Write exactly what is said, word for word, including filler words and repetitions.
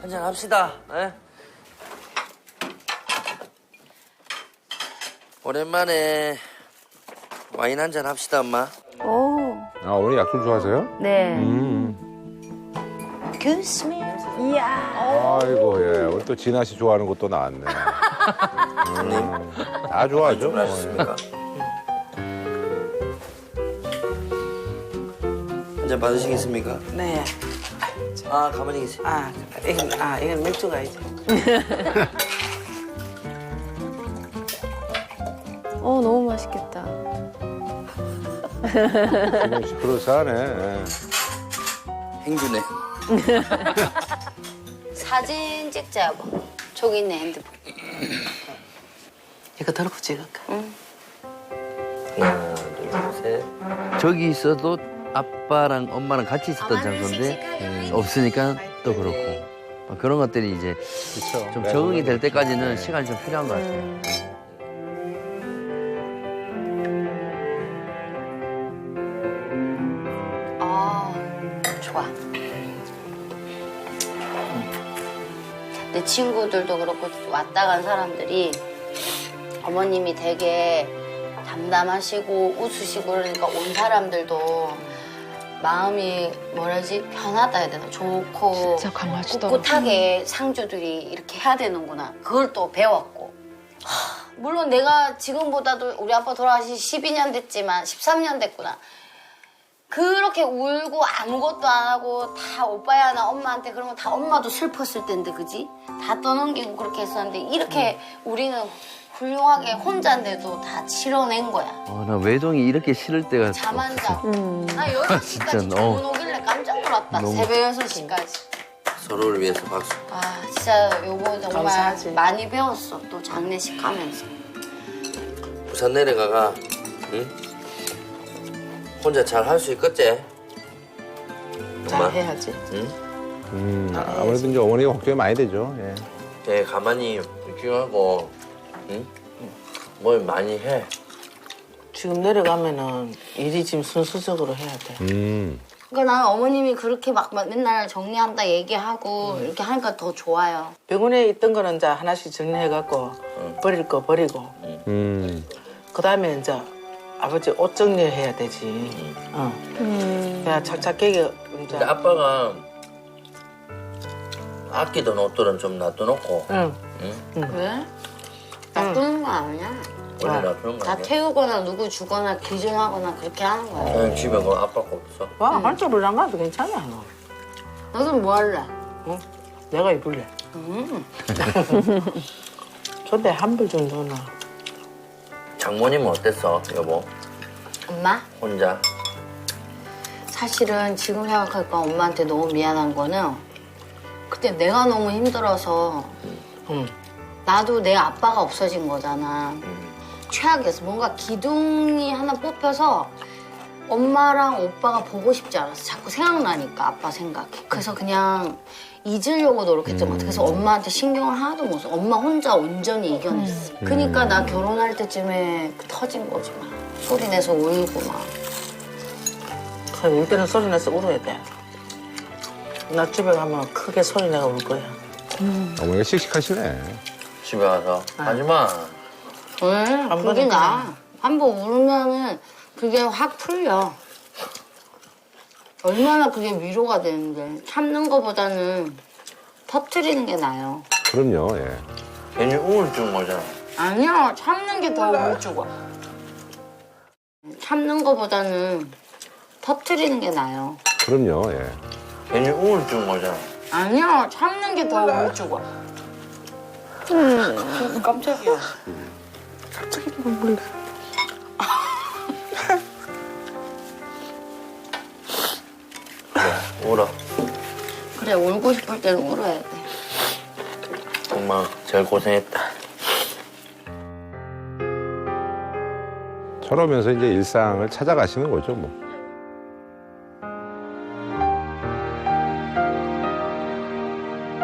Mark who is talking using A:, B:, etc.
A: 한잔 합시다. 에? 오랜만에 와인 한잔 합시다, 엄마.
B: 오.
C: 아, 어머니 약술 좋아하세요?
B: 네.
C: 음.
B: Kiss me. 이야.
C: 아이고, 예. 오늘 또 진아 씨 좋아하는 것도 나왔네. 음. 다 좋아하죠. 뭐.
A: 주문하셨습니까? 한잔 받으시겠습니까?
D: 네.
A: 아, 가만히 계세요.
D: 아, 이건, 아, 이건 맥주가 이제.
B: 어, 너무 맛있겠다.
C: 지금 시끄러워하네. 예.
A: 행주네.
E: 사진 찍자, 여보. 저기 있네, 핸드폰.
D: 이거 들고 찍을까?
E: 응.
A: 하나, 둘, 셋. 저기 있어도 아빠랑 엄마랑 같이 있었던
E: 어머니
A: 장소인데
E: 씩씩하게
A: 없으니까 또 그렇고 어, 그런 것들이 이제
C: 그쵸.
A: 좀
C: 네,
A: 적응이 될
C: 그렇죠.
A: 때까지는
C: 네.
A: 시간이 좀 필요한 것 같아요.
B: 음.
E: 아, 좋아. 내 친구들도 그렇고 왔다 간 사람들이 어머님이 되게 담담하시고 웃으시고 그러니까 온 사람들도 마음이 뭐라지 편하다 해야 되나 좋고
B: 진짜 강하시더라고.
E: 꿋꿋하게 상주들이 이렇게 해야 되는구나 그걸 또 배웠고 하, 물론 내가 지금보다도 우리 아빠 돌아가신 십이 년 됐지만 십삼 년 됐구나 그렇게 울고 아무것도 안 하고 다 오빠야 나 엄마한테 그러면 다 엄마도 슬펐을 텐데 그지? 다 떠넘기고 그렇게 했었는데 이렇게 우리는 훌륭하게 혼자인데도 다 치러낸 거야.
A: 어, 나 외동이 이렇게 싫을 때가
E: 잠 안 자고.
B: 음.
E: 나 여섯 시까지
A: 진짜,
E: 주문
A: 어.
E: 오길래 깜짝 놀랐다.
A: 너무-
E: 새벽 여섯 시까지.
A: 서로를 위해서 박수.
E: 아 진짜 요거 정말
D: 감사하지.
E: 많이 배웠어. 또 장례식 하면서.
A: 부산 내려가가 응? 혼자 잘 할 수 있겠지?
D: 잘
A: 엄마?
D: 해야지.
A: 응?
C: 음, 아무래도 이제 어머니가 걱정이 많이 되죠. 예.
A: 네, 가만히 집중하고 응? 뭘 많이 해.
D: 지금 내려가면은 일이 지금 순수적으로 해야 돼.
C: 음.
E: 그러니까 나는 어머님이 그렇게 막 맨날 정리한다 얘기하고 이렇게 하니까 더 좋아요.
D: 병원에 있던 거는 이제 하나씩 정리해갖고 버릴 거 버리고.
C: 음.
D: 그 다음에 이제 아버지 옷 정리해야 되지. 어.
B: 음.
D: 그냥 착착하게 이제
A: 근데 아빠가 아끼던 옷들은 좀 놔둬놓고
D: 응.
A: 응?
E: 왜? 놔두는 거 아니야.
A: 원래
D: 아,
A: 놔두는 거
E: 다
A: 아니야?
E: 태우거나 누구 주거나 기증하거나 그렇게 하는 거야.
A: 그냥 집에 그 아빠 거 없어.
D: 와, 한쪽으로 안 가도 괜찮아, 너.
E: 너는 뭐 할래?
D: 응? 내가 입을래.
E: 음.
D: 근데 한 벌 정도는.
A: 장모님은 어땠어, 여보?
E: 엄마?
A: 혼자?
E: 사실은 지금 생각하니까 엄마한테 너무 미안한 거는 그때 내가 너무 힘들어서
D: 응.
E: 나도 내 아빠가 없어진 거잖아.
A: 음.
E: 최악이었어. 뭔가 기둥이 하나 뽑혀서 엄마랑 오빠가 보고 싶지 않았어. 자꾸 생각나니까 아빠 생각이. 그래서 그냥 잊으려고 노력했던 것 같아. 그래서 엄마한테 신경을 하나도 못 써. 엄마 혼자 온전히 이겨냈어. 그러니까 나 결혼할 때쯤에 터진 거지 막. 소리 내서 울고 막.
D: 그래, 울 때는 소리 내서 울어야 돼. 나 집에 가면 크게 소리 내가 울 거야.
C: 어머니가 씩씩하시네.
A: 집에 가서 하지 마.
E: 왜?
D: 한
E: 그게
D: 번은
E: 나. 한 번 울면은 그게 확 풀려. 얼마나 그게 위로가 되는데. 참는 거보다는 터트리는 게 나아요.
C: 그럼요, 예.
A: 괜히 우울증 오잖아.
E: 아니야, 참는 게 더 우울증 와. 참는 거보다는 터트리는 게 나아요.
C: 그럼요, 예.
A: 괜히 우울증 오잖아.
E: 아니야, 참는 게 더 우울증 와.
D: 깜짝이야.
A: 울어.
E: 그래, 울고 싶을 때는 울어야 돼.
A: 엄마 제일 고생했다.
C: 저러면서 이제 일상을 찾아가시는 거죠, 뭐.